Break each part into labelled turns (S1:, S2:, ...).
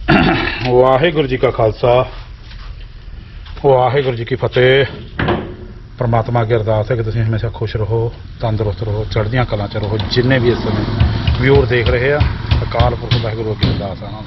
S1: ਵਾਹਿਗੁਰੂ ਜੀ ਕਾ ਖਾਲਸਾ ਵਾਹਿਗੁਰੂ ਜੀ ਕੀ ਫਤਿਹ। परमात्मा की अरदास है कि तुम हमेशा खुश रहो, तंदुरुस्त रहो, चढ़दियां कलां च रहो। जिन्ने भी इस समय व्यूअर देख रहे हैं, अकाल पुरख वाहिगुरू अगे अरदास है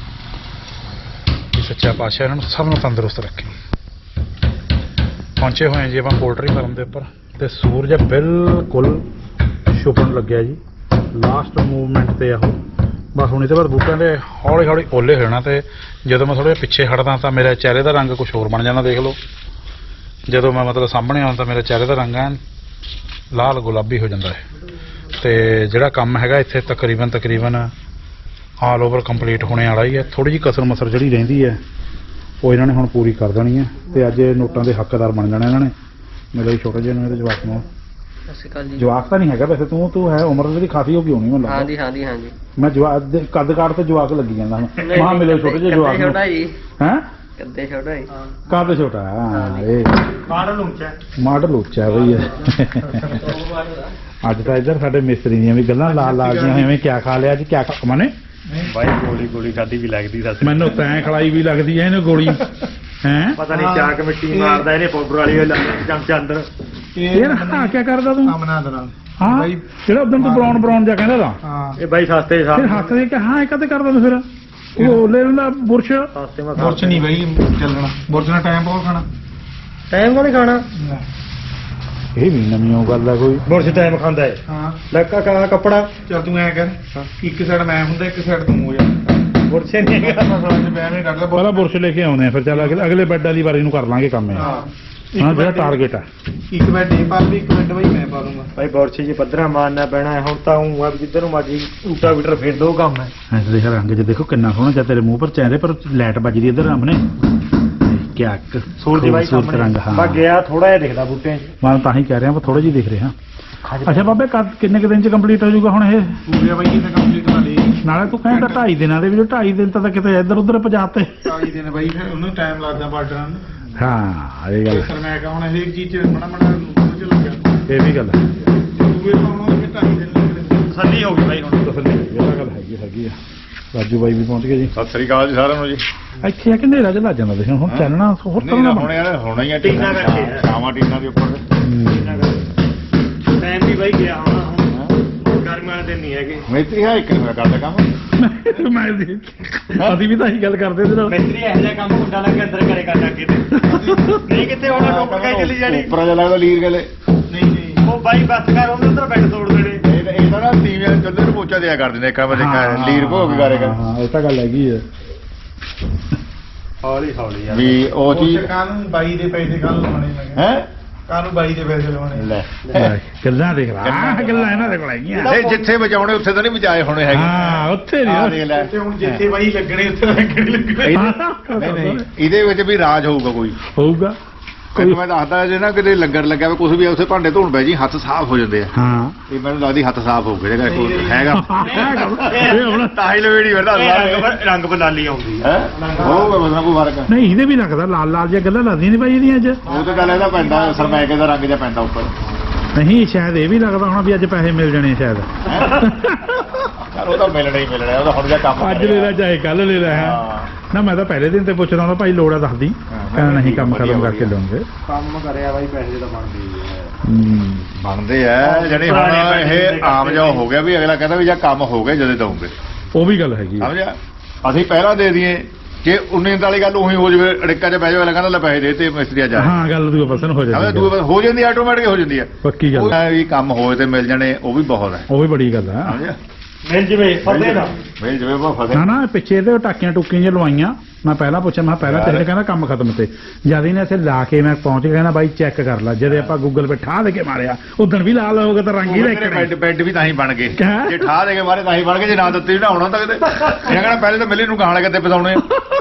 S1: कि सच्चा पातशाह इन्होंने सब नूं तंदुरुस्त रखे। पहुंचे हुए हैं जी आप पोल्ट्री फार्म के उपर तो सूरज बिल्कुल छुपन लग्या जी। लास्ट मूवमेंट से आहो बस हूँ तो बाद बूटा के हौली हौली ओले हो जाना। तो जो मैं थोड़ा पिछे हटदा तो मेरे चेहरे का रंग कुछ होर बन जाना। देख लो जो मैं मतलब सामने आना तो मेरे चेहरे का रंग है लाल गुलाबी हो जाता है। तो जोड़ा काम है इत्थे तकरीबन ऑल ओवर कंप्लीट होने वाला ही है। थोड़ी जी कसर मसर जी रही है वो इन्होंने हुण पूरी कर देनी है। तो अज नोटां के हकदार बन जाने इन्होंने। मेरे छोटे जे मेरे जवाक में जवाक तो नहीं है वैसे तू है उम्र भी खासी होगी होनी मैं लगता। मैं जवाक कद काट तो जवाक लगी जाता वहां मिले छोटे जे जवाक है कद छोटा मॉडल उच्चा है भैया। अज तो इधर साडे मिस्त्री दी भी गल्लां लाल लाल जिवें क्या खा लिया अज क्या मने
S2: भाई गोली खाधी भी लगदी
S1: मैनू तैं खलाई भी लगदी है इन्हें गोली हैं पता नहीं चाक मिट्टी मारदा इहने पाउडर वाली चमचा अंदर यार हां क्या करदा तू बना देना हां जेड़ा उदन तू ब्राउन जा कहंदा दा हां ए भाई सस्ते फिर हੱਥ ਦੇ के हां कदे करदा तू फिर वो ले लेना बुरश नहीं भाई चलना बुरश ना टाइम बहुत खाना टाइम को नहीं खाना ये भी नवी गल है कोई बुरश टाइम खांदा है हां लक्का का कपड़ा चल तू ऐ कर एक साइड मैं हुंदा एक साइड तू हो जा बुरश नहीं है मसला से मैं नहीं करदा पहला बुरश लेके आउंदे फिर चल अगले बेड वाली बारी नु कर लांगे काम है हां जेड़ा टारगेट है एक बेड ये पा ली एक बेड भाई मैं पा लूंगा भाई बुरश जी पद्धरा मारना पैना है हुण ता हूं अब जिधर नु मर्जी उल्टा मीटर फेर दो काम है ऐसे देख रंग जे देखो कितना सोहना चा तेरे मुंह पर चेहरे पर लाइट बजदी इधर हमने क्या सूरज भाई सामने रंग हां बा गया थोड़ा जिहा दिखदा बूटे मैं तां ही कह रहा हूं थोड़ा जी दिख रहे हां। अच्छा बाबे किन्ने दिन च कंप्लीट हो जाऊगा हुण ये पूरे भाई किन्ने कंप्लीट कर ली नाले तू कहंदा 2.5 दिनां दे विच 2.5 दिन तक किते इधर उधर पजाते 2.5 दिन भाई फिर उन्हें टाइम लगदा बार्डरां नूं हां ये गल सर मैं कहां हर एक चीज बड़ा च लग्या ये भी गल है पूरे पाउणों दे 2.5 दिन तसल्ली हो गई भाई हुण तसल्ली ये गल हैगी आ। राजू भाई भी पहुंच गए जी सत श्री अकाल जी साਰਿਆਂ ਨੂੰ ਜੀ ਇੱਥੇ ਆ ਕਿ ਹਨੇਰਾ ਜਿਹਾ ਲੱਗ ਜਾਂਦਾ ਦੇਖੋ ਹੁਣ ਚੱਲਣਾ ਹੋਰ ਤਰ੍ਹਾਂ ਦਾ ਹੋਣਾ ਹੀ ਆ ਟੀਨਾ ਕਰਕੇ ਆਵਾਂ ਟੀਨਾ ਦੇ ਉੱਪਰ ਟਾਈਮ ਵੀ ਬਾਈ ਗਿਆ ਹੁਣ ਗਰਮੀਆਂ ਦੇ ਨਹੀਂ ਹੈਗੇ ਮਿਸਤਰੀ ਹੈ ਇੱਕ ਨੂੰ ਕਰਦਾ ਕੰਮ ਮੈਂ ਅਸੀਂ ਵੀ ਤਾਂ ਇਹੀ ਗੱਲ ਕਰਦੇ ਸੀ ਮਿਸਤਰੀ ਇਹੋ ਜਿਹਾ ਕੰਮ ਮੁੰਡਾ ਲਾ ਕੇ ਅੰਦਰ ਕਰੇ ਕਰ ਲੱਗੇ ਤੇ ਨਹੀਂ ਕਿਤੇ ਹੁਣ ਟੋਕ ਕੇ ਚਲੀ ਜਾਣੀ ਉੱਪਰ ਜਾ ਲੱਗਦਾ ਲੀਰ ਗਲੇ ਨਹੀਂ ਉਹ ਬਾਈ ਬੱਸ ਕਰ ਉਹਦੇ ਅੰਦਰ ਬੈਠ ਤੋੜ ਦੇਣੇ ਇਹਦਾ ਨਾ ਤੀਵੀਆਂ ਚੁੱਲ੍ਹੇ ਨੂੰ ਪੋਚਾ ਦਿਆ ਕਰ ਦਿੰਦੇ ਇੱਕ ਵਾਰ ਲੀਰ ਭੋਗ ਕਰੇਗਾ ਹਾਂ ਇਹ ਤਾਂ ਗੱਲ ਹੈਗੀ ਹੈ ਹੌਲੀ ਹੌਲੀ ਯਾਰ ਵੀ ਉਹ ਚੀਜ਼ ਕਾਨੂੰ ਬਾਈ ਦੇ ਪੈਸੇ ਕੱਲ ਲਾਉਣੇ ਹੈ ਕਾਨੂੰ ਬਾਈ ਦੇ ਪੈਸੇ ਲਾਉਣੇ ਲੈ ਗੱਲਾਂ ਦੇਖ ਲਾ ਗੱਲਾਂ ਇਹਨਾਂ ਦੇ ਕੋਲ ਹੈਗੀਆਂ ਨਹੀਂ ਜਿੱਥੇ ਬਚਾਉਣੇ ਉੱਥੇ ਤਾਂ ਨਹੀਂ ਬਚਾਏ ਹੋਣੇ ਹੈਗੇ ਹਾਂ ਉੱਥੇ ਨਹੀਂ ਉੱਥੇ ਹੁਣ ਜਿੱਥੇ ਬਾਈ ਲੱਗਣੇ ਉੱਥੇ ਲੱਗਣੇ ਨਹੀਂ ਇਹਦੇ ਵਿੱਚ ਵੀ ਰਾਜ ਹੋਊਗਾ ਕੋਈ ਮੈਂ ਦੱਸਦਾ ਜੇ ਨਾ ਕਿਤੇ ਲੰਗਰ ਲੱਗਿਆ ਵੇ ਕੁਝ ਵੀ ਉੱਥੇ ਭਾਂਡੇ ਧੋਣ ਪੈ ਜੀ ਹੱਥ ਸਾਫ਼ ਹੋ ਜਾਂਦੇ ਆ ਹਾਂ ਇਹ ਮੈਨੂੰ ਲੱਗਦੀ ਹੱਥ ਸਾਫ਼ ਹੋ ਗਏ ਜਿਹੜਾ ਕੋਈ ਹੈਗਾ ਤਾਂ ਹੀ ਲਵੇੜੀ ਵਰਦਾ ਰੰਗ ਬਲਾਲੀ ਆਉਂਦੀ ਹੈ ਹੋਊਗਾ ਮਤਲਬ ਕੋਈ ਫਰਕ ਨਹੀਂ ਇਹਦੇ ਵੀ ਲੱਗਦਾ ਲਾਲ ਲਾਲ ਜਿਹਾ ਗੱਲਾਂ ਲੱਗਦੀਆਂ ਨਹੀਂ ਭਾਈ ਇਹਦੀਆਂ ਅੱਜ ਉਹ ਤਾਂ ਗੱਲ ਇਹਦਾ ਪੈਂਦਾ ਸਰਮੈਕੇ ਦਾ ਰੰਗ ਜਿਹਾ ਪੈਂਦਾ ਉੱਪਰ ਨਹੀਂ ਸ਼ਾਇਦ ਇਹ ਵੀ ਲੱਗਦਾ ਹੋਣਾ ਵੀ ਅੱਜ ਪੈਸੇ ਮਿਲ ਜਾਣੇ ਸ਼ਾਇਦ ਉਹ ਤਾਂ ਮਿਲਣਾ ਹੀ ਮਿਲਣਾ ਉਹਦਾ ਹੁਣ ਜਿਹਾ ਕੰਮ ਅੱਜ ਲੈ ਲੈ ਚਾਹੇ ਕੱਲ ਲੈ ਲੈ ਨਾ ਮੈਂ ਤਾਂ ਪਹਿਲੇ ਦਿਨ ਤੇ ਪੁੱਛਦਾ ਹੁੰਦਾ ਭਾਈ ਲੋੜ ਆ ਦੱਸਦੀ ਕਹਿੰਦਾ ਨਹੀਂ ਕੰਮ ਖਤਮ ਕਰਕੇ ਲਵਾਂਗੇ ਕੰਮ ਕਰਿਆ ਬਾਈ ਪੈਸੇ ਤਾਂ ਬਣਦੇ ਆ ਜਿਹੜੇ ਹੁਣ ਇਹ ਆਮ ਜਿਹਾ ਹੋ ਗਿਆ ਵੀ ਅਗਲਾ ਕਹਿੰਦਾ ਵੀ ਜਾਂ ਕੰਮ ਹੋ ਗਿਆ ਜਦੋਂ ਦਊਂਗੇ ਉਹ ਵੀ ਗੱਲ ਹੈਗੀ ਸਮਝਿਆ ਅਸੀਂ ਪਹਿਲਾਂ ਦੇ ਦਈਏ ਕਿ 19 ਵਾਲੀ ਗੱਲ ਉਹੀ ਹੋ ਜਾਵੇ ਅੜਿੱਕਾ 'ਚ ਪੈ ਜਾਵੇ ਕਹਿੰਦਾ ਲੈ ਪੈਸੇ ਦੇ ਤੇ ਮਿਸਤਰੀ ਆ ਜਾ ਹਾਂ ਗੱਲ ਦੂਏ ਪਾਸੇ ਹੋ ਜਾਂਦੀ ਦੂਏ ਹੋ ਜਾਂਦੀ ਆਟੋਮੈਟਿਕ ਹੋ ਜਾਂਦੀ ਹੈ ਪੱਕੀ ਗੱਲ ਵੀ ਕੰਮ ਹੋਏ ਤੇ ਮਿਲ ਜਾਣੇ ਉਹ ਵੀ ਬਹੁਤ ਹੈ ਉਹ ਵੀ ਬੜੀ ਗੱਲ ਹੈ ਸਮਝਿਆ ਮਿਲ ਜਵੇ ਫਸੇ ਨਾ ਮਿਲ ਜਵੇ ਉਹ ਫਸੇ ਨਾ ਪਿੱਛੇ ਤੇ ਟਾਕੀਆਂ ਟੁਕੀਆਂ ਜਿਹਾ ਲਵਾਈਆਂ ਮੈਂ ਪਹਿਲਾਂ ਪੁੱਛਿਆ ਮੈਂ ਪਹਿਲਾਂ ਤੇਰੇ ਕਹਿੰਦਾ ਕੰਮ ਖਤਮ ਤੇ ਜਦ ਇਹਨੇ ਇੱਥੇ ਲਾ ਕੇ ਮੈਂ ਪਹੁੰਚ ਗਿਆ ਕਹਿੰਦਾ ਬਾਈ ਚੈੱਕ ਕਰ ਲੈ ਜਦੇ ਆਪਾਂ ਗੂਗਲ ਪੇ ਠਾਹ ਦੇ ਕੇ ਮਾਰਿਆ ਉਦਣ ਵੀ ਲਾਲ ਹੋ ਗਿਆ ਤਾਂ ਰੰਗ ਹੀ ਲੈ ਕੇ ਬੈੱਡ ਵੀ ਤਾਂ ਹੀ ਬਣ ਗਏ ਜੇ ਠਾਹ ਦੇ ਕੇ ਮਾਰੇ ਤਾਂ ਹੀ ਬਣ ਗਏ ਜੇ ਨਾ ਦਿੱਤੇ ਵੀ ਨਾ ਆਉਣਾ ਤਾਂ ਕਿਤੇ ਇਹ ਕਹਿੰਦਾ ਪਹਿਲੇ ਤਾਂ ਮਿਲੇ ਨੂੰ ਗਾਣ ਲਗੇ ਤੇ ਪਸਾਉਣੇ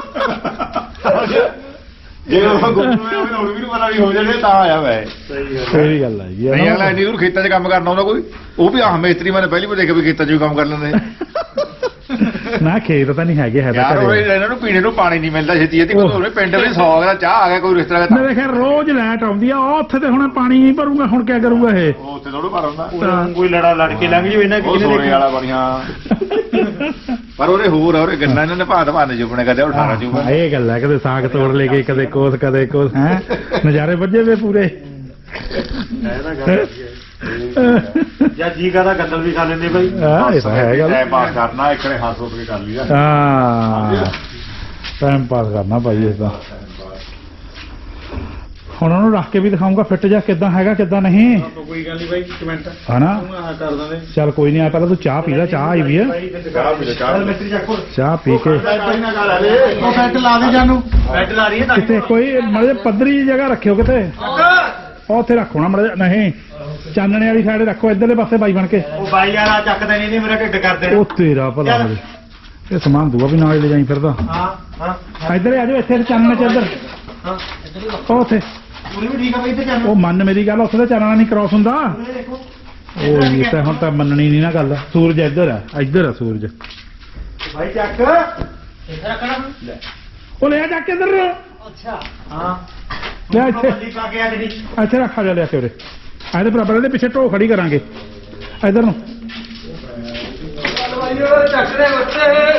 S1: ਜੇ ਉਹ ਗੁੱਸਾ ਹੋਇਆ ਹੁਣ ਵੀ ਨੂੰ ਪਤਾ ਵੀ ਹੋ ਜਾਣੇ ਤਾਂ ਆਇਆ ਵੈ ਸਹੀ ਗੱਲ ਹੈ ਜੀ ਨਹੀਂ ਅਗਲਾ ਇੰਨੀ ਦੂਰ ਖੇਤਾਂ 'ਚ ਕੰਮ ਕਰਨਾ ਹੁੰਦਾ ਕੋਈ ਉਹ ਵੀ ਆਹ ਮਿਸਤਰੀ ਮੈਨੇ ਪਹਿਲੀ ਵਾਰ ਦੇਖਿਆ ਵੀ ਖੇਤਾਂ 'ਚ ਵੀ ਕੰਮ ਕਰ ਲੈਂਦੇ ਨਾ ਖੇਤ ਤਾਂ ਨਹੀਂ ਹੈਗੇ ਹੈ ਤਾਂ ਇਹਨਾਂ ਨੂੰ ਪੀਣੇ ਨੂੰ ਪਾਣੀ ਨਹੀਂ ਮਿਲਦਾ ਛੇਤੀ ਛੇਤੀ ਕੋਈ ਪਿੰਡ ਵਿੱਚ 100 ਦਾ ਚਾਹ ਆ ਗਿਆ ਕੋਈ ਰਿਸ਼ਤੇਦਾਰ ਦਾ ਮੇਰੇ ਖਿਆਲ ਰੋਜ਼ ਲਾਈਟ ਆਉਂਦੀ ਆ ਉੱਥੇ ਤੇ ਹੁਣ ਪਾਣੀ ਨਹੀਂ ਭਰੂਗਾ ਹੁਣ ਕੀ ਕਰੂਗਾ ਇਹ ਉੱਥੇ ਥੋੜਾ ਭਰ ਹੁੰਦਾ ਕੋਈ ਲੜਾ ਲੜ ਕੇ ਲੰਘ ਜੂ ਇਹਨਾਂ ਕਿਹਨੇ ਦੇਖਿਆ ਵਾਲਾ ਬੜੀਆਂ
S3: ਪਰ ਉਹਦੇ ਹੋਰ ਆ ਉਹਦੇ ਗੰਨਾ ਇਹਨਾਂ ਨੇ ਭਾਂਤ ਭਾਂਤ ਚੁੱਪਣੇ ਕਦੇ 18 ਚੁੱਪਣੇ
S1: ਹਾਂ, ਇਹ ਗੱਲ ਹੈ ਕਦੇ ਸਾਗ ਤੋੜ ਲੈ ਕੇ ਕਦੇ ਕੋਸ ਹੈ ਨਜ਼ਾਰੇ ਵੱਜੇ ਵੇ ਪੂਰੇ
S2: ਜਾਂ ਜੀ ਕਹਦਾ ਗੰਦਲ ਵੀ ਖਾ ਲੈਂਦੇ ਬਾਈ
S1: ਹਾਂ ਇਹ ਤਾਂ ਹੈ ਗੱਲ
S3: ਟਾਈਮ ਪਾਸ ਕਰਨਾ ਇੱਕ ਨੇ ਹੱਥ ਉੱਤੇ ਕਰ ਲਈਦਾ
S1: ਹਾਂ ਟਾਈਮ ਪਾਸ ਕਰਨਾ ਭਾਈ ਇਸ ਦਾ ਹੁਣ ਉਹਨੂੰ ਰੱਖ ਕੇ ਵੀ ਦਿਖਾਉਂਗਾ ਫਿੱਟ ਜਾ ਕਿੱਦਾਂ ਹੈਗਾ ਕਿੱਦਾਂ ਨਹੀਂ
S2: ਕੋਈ ਗੱਲ ਨਹੀਂ ਬਾਈ ਕਮੈਂਟ
S1: ਹਨਾ
S2: ਕਰ ਦਾਂਗੇ
S1: ਚੱਲ ਕੋਈ ਨਹੀਂ ਆ ਪਹਿਲਾਂ ਤੂੰ ਚਾਹ ਪੀ ਲੈ ਚਾਹ ਆਈ ਵੀ ਹੈ ਚਾਹ ਪੀ ਕੇ
S2: ਉਹ ਬੈੱਡ ਲਾ ਦੇ ਜਾਨੂੰ ਬੈੱਡ ਲਾ ਰਹੀ ਹੈ
S1: ਕਿਤੇ ਕੋਈ ਮਤਲਬ ਪੱਧਰੀ ਜਿਹੀ ਜਗ੍ਹਾ ਰੱਖਿਓ ਕਿਤੇ ਉਹ ਉੱਥੇ ਰੱਖੋ ਨਾ ਮਤਲਬ ਨਹੀਂ ਚਾਨਣੇ ਵਾਲੀ ਸਾਈਡ ਰੱਖੋ ਇੱਧਰਲੇ ਪਾਸੇ ਬਾਈ ਬਣ ਕੇ
S2: ਉਹ ਬਾਈ ਯਾਰ ਆ ਚੱਕਦੇ ਨਹੀਂ ਮੇਰਾ ਢਿੱਡ ਕਰਦੇ
S1: ਉਹ ਤੇਰਾ ਭਲਾ ਹੋਵੇ ਇਹ ਸਮਾਨ ਦੂਆ ਵੀ ਨਾਲ ਲੈ ਜਾਈ ਫਿਰਦਾ
S2: ਹਾਂ
S1: ਇੱਧਰ ਆ ਜਾਓ ਇੱਥੇ ਚਾਨਣੇ ਚ ਇੱਧਰ
S2: ਹਾਂ
S1: ਉਹ ਉੱਥੇ
S2: ਪੂਰੀ ਵੀ ਠੀਕ ਆ ਬਾਈ ਤੇ ਚੱਲ
S1: ਉਹ ਮੰਨ ਮੇਰੀ ਗੱਲ ਉੱਥੇ ਤਾਂ ਚਾਨਣਾ ਨਹੀਂ ਕ੍ਰਾਸ ਹੁੰਦਾ
S2: ਦੇਖੋ
S1: ਉਹ ਇਹ ਤਾਂ ਹੁਣ ਤਾਂ ਮੰਨਣੀ ਨਹੀਂ ਨਾ ਗੱਲ ਸੂਰਜ ਇੱਧਰ ਆ ਸੂਰਜ
S2: ਭਾਈ ਚੱਕ ਇੱਥੇ ਰੱਖਣਾ
S1: ਉਹ ਲੈ ਜਾ ਕੇ ਇੱਧਰ
S2: ਅੱਛਾ ਹਾਂ
S1: ਲੈ ਇੱਥੇ
S2: ਬੱਲੀ ਪਾ ਕੇ ਆ ਜਿਹੜੀ
S1: ਇੱਥੇ ਰੱਖਾ ਜਾ ਲਿਆ ਕੇ ਉਰੇ ਇਹਦੇ ਬਰਾਬਰ ਇਹਦੇ ਪਿੱਛੇ ਢੋ ਖੜੀ ਕਰਾਂਗੇ ਇੱਧਰ ਨੂੰ
S2: ਚੱਕ ਦੇ ਬੱਚੇ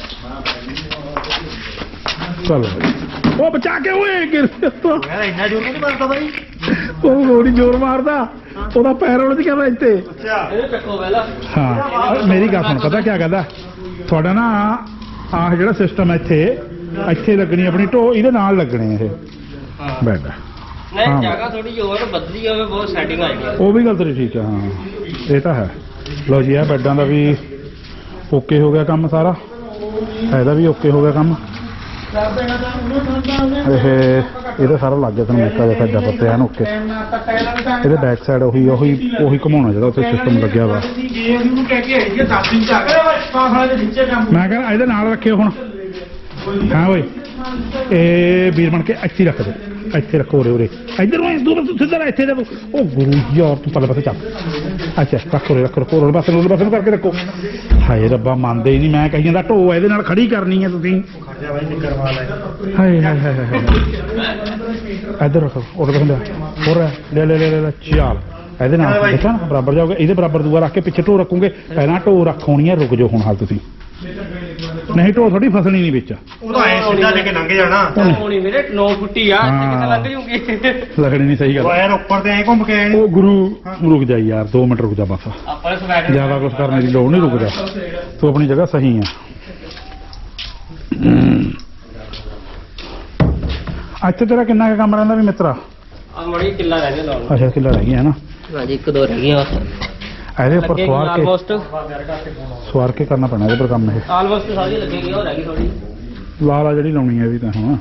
S1: ਚਲੋ ਉਹ ਬਚਾ ਕੇ ਓਏ ਗਿਰ
S2: ਯਾਰ ਇੰਨਾ ਜ਼ੋਰ ਨਹੀਂ ਮਾਰਦਾ ਬਾਈ
S1: ਉਹ ਗੋੜੀ ਜ਼ੋਰ ਮਾਰਦਾ ਉਹਦਾ ਪੈਰ ਉਹਦੇ ਚ ਕਹਿੰਦਾ ਇੱਥੇ
S2: ਅੱਛਾ ਇਹ ਚੱਕੋ ਪਹਿਲਾਂ
S1: ਹਾਂ ਮੇਰੀ ਗੱਲ ਸੁਣ ਪਤਾ ਕੀ ਕਹਿੰਦਾ ਤੁਹਾਡਾ ਨਾ ਆਹ ਜਿਹੜਾ ਸਿਸਟਮ ਹੈ ਇੱਥੇ ਲੱਗਣੀ ਆਪਣੀ ਢੋ ਇਹਦੇ ਨਾਲ ਲੱਗਣੇ ਇਹ ਬੈਡ
S4: ਨਹੀਂ ਜਗ੍ਹਾ ਥੋੜੀ ਹੋਰ ਬਦਲੀ ਹੋਵੇ ਬਹੁਤ ਸੈਟਿੰਗ ਆਏਗੀ
S1: ਉਹ ਵੀ ਗੱਲ ਤੇਰੀ ਠੀਕ ਹੈ ਹਾਂ ਇਹ ਤਾਂ ਹੈ ਲਓ ਜੀ ਇਹ ਬੈਡਾਂ ਦਾ ਵੀ ਓਕੇ ਹੋ ਗਿਆ ਕੰਮ ਸਾਰਾ ਇਹਦਾ ਵੀ ਓਕੇ ਹੋ ਗਿਆ ਕੰਮ ਇਹਦਾ ਸਾਰਾ ਲੱਗ ਗਿਆ ਤੁਹਾਨੂੰ ਮੇਕਾ ਜਿਹਾ ਪੱਤੇ ਹਨ ਓਕੇ ਇਹਦੇ ਬੈਕ ਸਾਈਡ ਉਹੀ ਘੁਮਾਉਣਾ ਜਿਹੜਾ ਉੱਥੇ ਸਿਸਟਮ ਲੱਗਿਆ ਵਾ ਮੈਂ ਕਹਿੰਦਾ ਇਹਦੇ ਨਾਲ ਰੱਖਿਓ ਹੁਣ ਹਾਂ ਓਏ ਇਹ ਵੀਰ ਬਣ ਕੇ ਇੱਥੇ ਰੱਖ ਦੇ ਇੱਥੇ ਰੱਖੋ ਉਰੇ ਇੱਧਰ ਨੂੰ ਸਿੱਧਾ ਇੱਥੇ ਦੇ ਉਹ ਗੁਰੂ ਯਾਰ ਤੂੰ ਪਰਲੇ ਪਾਸੇ ਚੱਲ ਅੱਛਾ ਰੱਖੋ ਉਰੇ ਪਾਸੇ ਨੂੰ ਕਰਕੇ ਰੱਖੋ ਹਾਏ ਰੱਬਾ ਮੰਨਦੇ ਹੀ ਨਹੀਂ ਮੈਂ ਕਹੀ ਜਾਂਦਾ ਢੋ ਇਹਦੇ ਨਾਲ ਖੜੀ ਕਰਨੀ ਹੈ ਤੁਸੀਂ ਹਾਏ ਇੱਧਰ ਰੱਖੋ ਉਰੇ ਪਾਸੇ ਹੋਰ ਲੈ ਚਾਲ ਇਹਦੇ ਨਾਲ ਦੇਖਾਂ ਬਰਾਬਰ ਜਾਓਗੇ ਇਹਦੇ ਬਰਾਬਰ ਦੂਆ ਰੱਖ ਕੇ ਪਿੱਛੇ ਢੋ ਰੱਖੋਗੇ ਪਹਿਲਾਂ ਢੋ ਰੱਖੋਣੀ ਹੈ ਰੁਕ ਜਾਓ ਹੁਣ ਹਾਲ ਤੁਸੀਂ ਨਹੀਂ ਢੋ ਥੋੜੀ ਫਸਣੀ ਨਹੀਂ ਵਿੱਚ
S2: ਉਹ ਤਾਂ ਐ ਸਿੱਧਾ ਲੈ ਕੇ ਲੰਘ ਜਾਣਾ
S4: ਹੋਣੀ ਮੇਰੇ 9 ਫੁੱਟੀ ਆ ਕਿੱਥੇ ਲੰਘ ਜੂਗੀ
S1: ਲੱਗਣੀ ਨਹੀਂ ਸਹੀ ਗੱਲ
S2: ਉਹ ਯਾਰ ਉੱਪਰ ਤੇ ਐ ਘੁੰਮ ਕੇ ਆਏ
S1: ਉਹ ਗੁਰੂ ਰੁਕ ਜਾ ਯਾਰ 2 ਮਿੰਟ ਰੁਕ ਜਾ ਬਸ
S4: ਆਪਾਂ ਸਵੈਟਰ
S1: ਜ਼ਿਆਦਾ ਕੁਝ ਕਰਨ ਦੀ ਲੋੜ ਨਹੀਂ ਰੁਕ ਜਾ ਤੂੰ ਆਪਣੀ ਜਗ੍ਹਾ ਸਹੀ ਆ ਅੱਛਾ ਤੇਰਾ ਕਿੰਨਾ ਕੁ ਕੰਮ ਰਹਿੰਦਾ ਵੀ ਮਿੱਤਰਾ
S4: ਆ ਮੜੀ ਕਿੱਲਾ ਰਹਿ ਗਿਆ ਲਾਉਣ
S1: ਅੱਛਾ ਕਿੱਲਾ ਰਹਿ ਗਿਆ ਹੈ ਨਾ
S4: ਹਾਂਜੀ 1-2 ਰਹਿ ਗਈਆਂ
S1: ਇਹਦੇ ਉੱਪਰ
S4: ਆਲਮੋਸਟ
S1: ਸਵਾਰ ਕੇ ਕਰਨਾ ਪੈਣਾ ਇਹਦੇ ਪਰ ਕੰਮ ਇਹ
S4: ਆਲਮੋਸਟ ਸਾਰੀ ਲੱਗੇਗੀ ਉਹ ਰਹਿ ਗਈ ਥੋੜੀ
S1: ਲਾਲ ਜਿਹੜੀ ਲਾਉਣੀ ਹੈ ਵੀ ਤਾਂ ਹੁਣ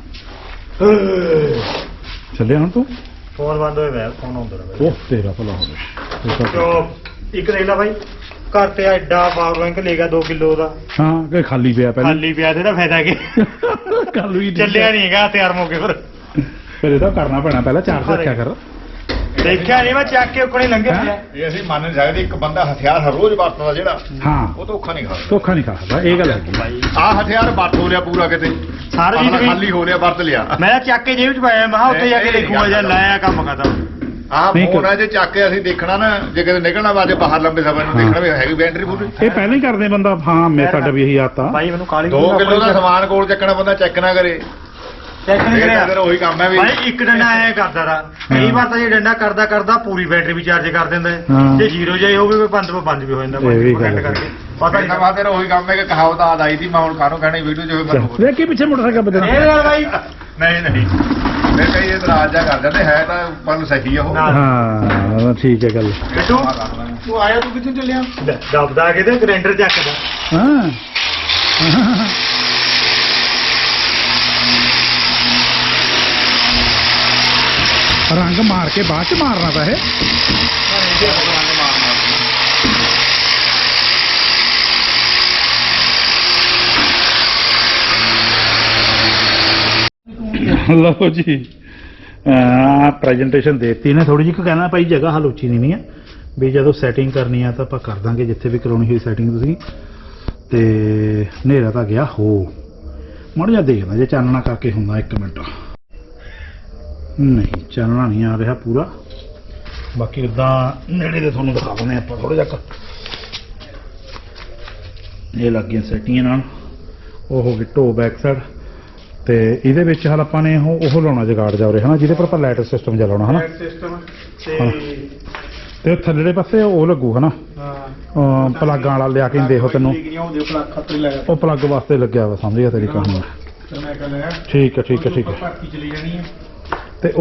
S1: ਚੱਲਿਆ ਹੁਣ ਤੂੰ
S2: ਫੋਨ ਬੰਦ ਹੋਇਆ ਹੋਇਆ ਫੋਨ ਆਉਂਦਾ ਰਿਹਾ
S1: ਉਹ ਤੇਰਾ ਭਲਾ ਹੋਵੇ
S2: ਤੇ ਇੱਕ ਦੇਖ ਲੈ ਬਾਈ ਘਰ ਤੇ ਐਡਾ ਪਾਵਰ ਬੈਂਕ ਲੈ ਗਿਆ 2 ਕਿਲੋ ਦਾ
S1: ਹਾਂ ਕਿ ਖਾਲੀ ਪਿਆ ਪਹਿਲਾਂ
S2: ਖਾਲੀ ਪਿਆ ਤੇ ਇਹਦਾ ਫਾਇਦਾ ਕੀ
S1: ਕੱਲ ਵੀ
S2: ਚੱਲਿਆ ਨਹੀਂ ਹੈਗਾ ਤਿਆਰ ਮੌਕੇ ਪਰ
S1: ਫਿਰ ਇਹਦਾ ਕਰਨਾ ਪੈਣਾ ਪਹਿਲਾਂ ਚਾਰਜ ਰੱਖਿਆ ਕਰ
S2: ਦੇਖਿਆ ਨਹੀਂ ਮੈਂ ਚੱਕ ਕੇ ਉੱਕਣੇ ਲੰਘੇ ਪਿਆ
S3: ਇਹ ਅਸੀਂ ਮੰਨ ਨਹੀਂ ਸਕਦੇ ਇੱਕ ਬੰਦਾ ਹਥਿਆਰ ਹਰ ਰੋਜ਼ ਵਰਤਦਾ ਜਿਹੜਾ
S1: ਹਾਂ
S3: ਉਹ ਧੋਖਾ ਨਹੀਂ ਖਾਂਦਾ
S1: ਧੋਖਾ ਨਹੀਂ ਖਾਦਾ ਇਹ ਗੱਲ ਹੈਗੀ
S3: ਆਹ ਹਥਿਆਰ ਵਰਤ ਹੋ ਲਿਆ ਪੂਰਾ ਕਿਤੇ
S2: ਸਾਰਾ
S3: ਆਪਣਾ
S2: ਜੀ
S3: ਖਾਲੀ ਹੋ ਲਿਆ ਵਰਤ ਲਿਆ
S2: ਮੈਂ ਚੱਕ ਕੇ ਜੇਬ ਚ ਪਾਇਆ ਮੈਂ ਉੱਥੇ ਜਾ ਕੇ ਦੇਖੂਗਾ ਜਾਂ ਲਾਇਆ ਕੰਮ ਖਤਮ
S3: ਆਹ
S1: ਨਹੀਂ
S3: ਫੋਨ ਆ ਜੇ ਚੱਕ ਕੇ ਅਸੀਂ ਦੇਖਣਾ ਨਾ ਜੇ ਕਿਤੇ ਨਿਕਲਣਾ ਵਾਜੇ ਬਾਹਰ ਲੰਬੇ ਸਫ਼ਰ ਨੂੰ ਦੇਖਣਾ ਵੀ ਹੈਗੀ ਬੈਟਰੀ ਪੂਰੀ
S1: ਇਹ ਪਹਿਲਾਂ ਹੀ ਕਰਦੇ ਬੰਦਾ ਹਾਂ ਮੈਂ ਸਾਡਾ ਵੀ ਇਹੀ ਆਤਾ
S2: ਭਾਈ ਮੈਨੂੰ ਕਾਲੀ
S3: 2 ਕਿਲੋ ਦਾ ਸਮਾਨ ਕੋਲ ਚੱਕਣਾ ਬੰਦਾ ਚੈੱਕ ਨਾ ਕਰੇ
S2: ਚੈੱਕ ਨਹੀਂ
S3: ਫਿਰ
S2: ਕਰਿਆ
S3: ਉਹੀ ਕੰਮ ਹੈ ਵੀ
S2: ਭਾਈ ਇੱਕ ਡੰਡਾ ਐ ਕਰਦਾ ਰਾ ਕਈ ਵਾਰ ਤਾਂ ਜੇ ਡੰਡਾ ਕਰਦਾ ਪੂਰੀ ਬੈਟਰੀ ਵੀ ਚਾਰਜ ਕਰ ਦਿੰਦਾ ਹੈ।
S1: ਹਾਂ।
S2: ਜੇ ਜ਼ੀਰੋ ਜਾਈ ਹੋਵੇ ਵੀ 5 ਵੀ ਹੋ ਜਾਂਦਾ
S1: ਇਹ ਵੀ ਗੱਲ
S2: ਘੱਟ ਕਰਕੇ ਪਤਾ
S3: ਪਤਾ
S2: ਨਹੀਂ
S3: ਤੇਰਾ ਉਹੀ ਕੰਮ ਹੈ ਕਿ ਕਹਾਵਤ ਆ ਆਈ ਸੀ ਮੈਂ ਹੁਣ ਕਾਹਨੂੰ ਕਹਿਣੀ ਵੀਡੀਓ ਚ ਹੋਵੇ ਮੈਨੂੰ
S1: ਦੇਖ ਕੇ ਪਿੱਛੇ ਮੋਟਰਸਾਈਕਲ ਬਦਲਣਾ
S2: ਇਹ ਗੱਲ ਭਾਈ
S3: ਨਹੀਂ ਮੈਂ ਕਹੀ ਇਤਰਾਜ਼ ਜਾ ਕਰ ਜਾਂਦੇ ਹੈ ਤਾਂ ਪਰ ਸਹੀ ਆ ਉਹ
S2: ਨਾ।
S1: ਹਾਂ ਠੀਕ ਹੈ ਗੱਲ
S2: ਬਿੱਟੂ ਤੂੰ ਆਇਆ ਤੂੰ ਕਿੱਥੇ ਚੱਲਿਆ ਦਬਦਾ ਕਿਤੇ ਗ੍ਰੈਂਡਰ ਚੱਕਦਾ
S1: ਹਾਂ ਰੰਗ ਮਾਰ ਕੇ ਬਾਅਦ ਚ ਮਾਰਨਾ ਤਾਂ ਇਹ ਲਓ ਜੀ ਪ੍ਰੈਜੈਂਟੇਸ਼ਨ ਦੇਤੀ ਨੇ ਥੋੜੀ ਜਿਹੀ ਕਹਿਣਾ ਭਾਈ ਜਗ੍ਹਾ ਹਲੂਚੀ ਨਹੀਂ ਹੈ ਵੀ ਜਦੋਂ ਸੈਟਿੰਗ ਕਰਨੀ ਆ ਤਾਂ ਆਪਾਂ ਕਰ ਦਾਂਗੇ ਜਿੱਥੇ ਵੀ ਕਰਾਉਣੀ ਹੋਈ ਸੈਟਿੰਗ ਤੁਸੀਂ ਤੇ ਹਨੇਰਾ ਤਾਂ ਗਿਆ ਹੋ ਮਾੜਾ ਜਿਹਾ ਦੇਖਦਾ ਜੇ ਚਾਨਣਾ ਕਰਕੇ ਹੁੰਦਾ 1 ਮਿੰਟ ਨਹੀਂ ਚਾਨਣਾ ਨਹੀਂ ਆ ਰਿਹਾ ਪੂਰਾ ਬਾਕੀ ਉਦਾਂ ਨੇੜੇ ਦੇ ਤੁਹਾਨੂੰ ਦਿਖਾ ਦਿੰਦੇ ਆਪਾਂ ਥੋੜਾ ਜਿਹਾ ਇਹ ਲੱਗ ਗਈਆਂ ਸੈਟੀਆਂ ਨਾਲ। ਉਹ ਹੋ ਗਈ ਢੋ ਬੈਕ ਸਾਈਡ ਤੇ ਇਹਦੇ ਵਿੱਚ ਹਾਲ ਆਪਾਂ ਨੇ ਉਹ ਲਾਉਣਾ ਜਗਾੜ ਜਾ ਉਰੇ ਹਨਾ, ਜਿਹਦੇ ਪਰ ਆਪਾਂ ਲਾਈਟ ਸਿਸਟਮ ਜਾ ਲਾਉਣਾ ਹਨਾ।
S2: ਸਿਸਟਮ
S1: ਤੇ ਥੱਲੇੜੇ ਪਾਸੇ ਉਹ ਲੱਗੂ ਹਨਾ, ਪਲੱਗਾਂ ਵਾਲਾ ਲਿਆ ਕੇ ਦੇਖੋ ਤੈਨੂੰ, ਉਹ ਪਲੱਗ ਵਾਸਤੇ ਲੱਗਿਆ ਵਾ, ਸਮਝ ਗਿਆ ਤੇਰੀ ਕਹਾਣੀ। ਠੀਕ ਹੈ ਠੀਕ ਹੈ ਠੀਕ ਹੈ। ਤੇ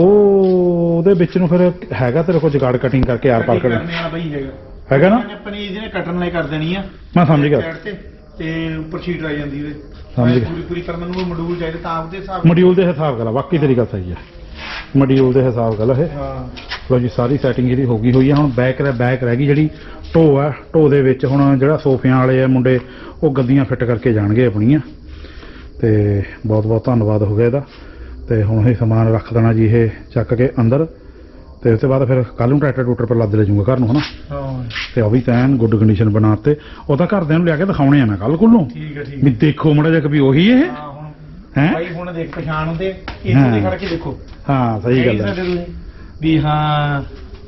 S1: ਉਹਦੇ ਵਿੱਚ ਨੂੰ ਫਿਰ ਹੈਗਾ ਤੇਰੇ ਕੋਲ ਜਗਾੜ ਕਟਿੰਗ ਕਰਕੇ ਆਰ ਪਾਰ ਕਰਨਾ ਹੈਗਾ ਨਾ?
S2: ਆਪਣੀ ਇਹਦੇ ਕੱਟਣ ਲਈ ਕਰ ਦੇਣੀ ਆ,
S1: ਮੈਂ ਸਮਝ ਗਿਆ।
S2: ਤੇ ਉੱਪਰ ਸ਼ੀਟ ਆ ਜਾਂਦੀ ਉਹਦੇ,
S1: ਸਮਝ ਗਿਆ।
S2: ਪੂਰੀ ਪਰ ਮੈਨੂੰ ਮੋਡਿਊਲ ਚਾਹੀਦਾ ਤਾਂ ਉਹਦੇ ਹਿਸਾਬ
S1: ਮੋਡਿਊਲ ਦੇ ਹਿਸਾਬ ਗੱਲ ਆ, ਬਾਕੀ ਤੇਰੀ ਗੱਲ ਸਹੀ ਹੈ, ਮੋਡਿਊਲ ਦੇ ਹਿਸਾਬ ਗੱਲ ਇਹ।
S2: ਹਾਂ
S1: ਲੋ ਜੀ ਸਾਰੀ ਸੈਟਿੰਗ ਇਹਦੀ ਹੋ ਗਈ ਹੋਈ ਹੈ। ਹੁਣ ਬੈਕ ਰਹਿ ਗਈ ਜਿਹੜੀ ਢੋ ਆ। ਢੋ ਦੇ ਵਿੱਚ ਹੁਣ ਜਿਹੜਾ ਸੋਫਿਆਂ ਵਾਲੇ ਆ ਮੁੰਡੇ ਉਹ ਗੱਦੀਆਂ ਫਿੱਟ ਕਰਕੇ ਜਾਣਗੇ ਆਪਣੀਆਂ। ਤੇ ਬਹੁਤ ਬਹੁਤ ਧੰਨਵਾਦ ਹੋ ਗਿਆ ਇਹਦਾ। ਤੇ ਹੁਣ ਇਹ ਸਮਾਨ ਰੱਖ ਦੇਣਾ ਜੀ ਇਹ ਚੱਕ ਕੇ ਅੰਦਰ, ਤੇ ਉਸ ਤੋਂ ਬਾਅਦ ਫਿਰ ਕੱਲ ਨੂੰ ਟਰੈਕਟਰ ਟੂਟਰ ਪਰ ਲੱਦ ਲੈ ਜਾਊਗਾ ਘਰ ਨੂੰ ਹਨਾ।
S2: ਹਾਂ
S1: ਤੇ ਉਹ ਵੀ ਤੈਨ ਗੁੱਡ ਕੰਡੀਸ਼ਨ ਬਣਾਤੇ। ਉਹ ਤਾਂ ਘਰਦਿਆਂ ਨੂੰ ਲਿਆ ਕੇ ਦਿਖਾਉਣੇ ਆ ਮੈਂ ਕੱਲ ਕੋਲੋਂ
S2: ਠੀਕ ਹੈ ਠੀਕ
S1: ਵੀ ਦੇਖੋ ਮੜਾ ਜਿਹਾ ਵੀ ਉਹੀ ਇਹ
S2: ਹਾਂ। ਹੁਣ
S1: ਹੈ
S2: ਭਾਈ ਹੁਣ ਦੇਖ ਪਛਾਣ ਹੁੰਦੇ ਇੱਥੇ ਦੇ ਖੜ ਕੇ ਦੇਖੋ।
S1: ਹਾਂ ਸਹੀ ਗੱਲ ਹੈ
S2: ਵੀ ਹਾਂ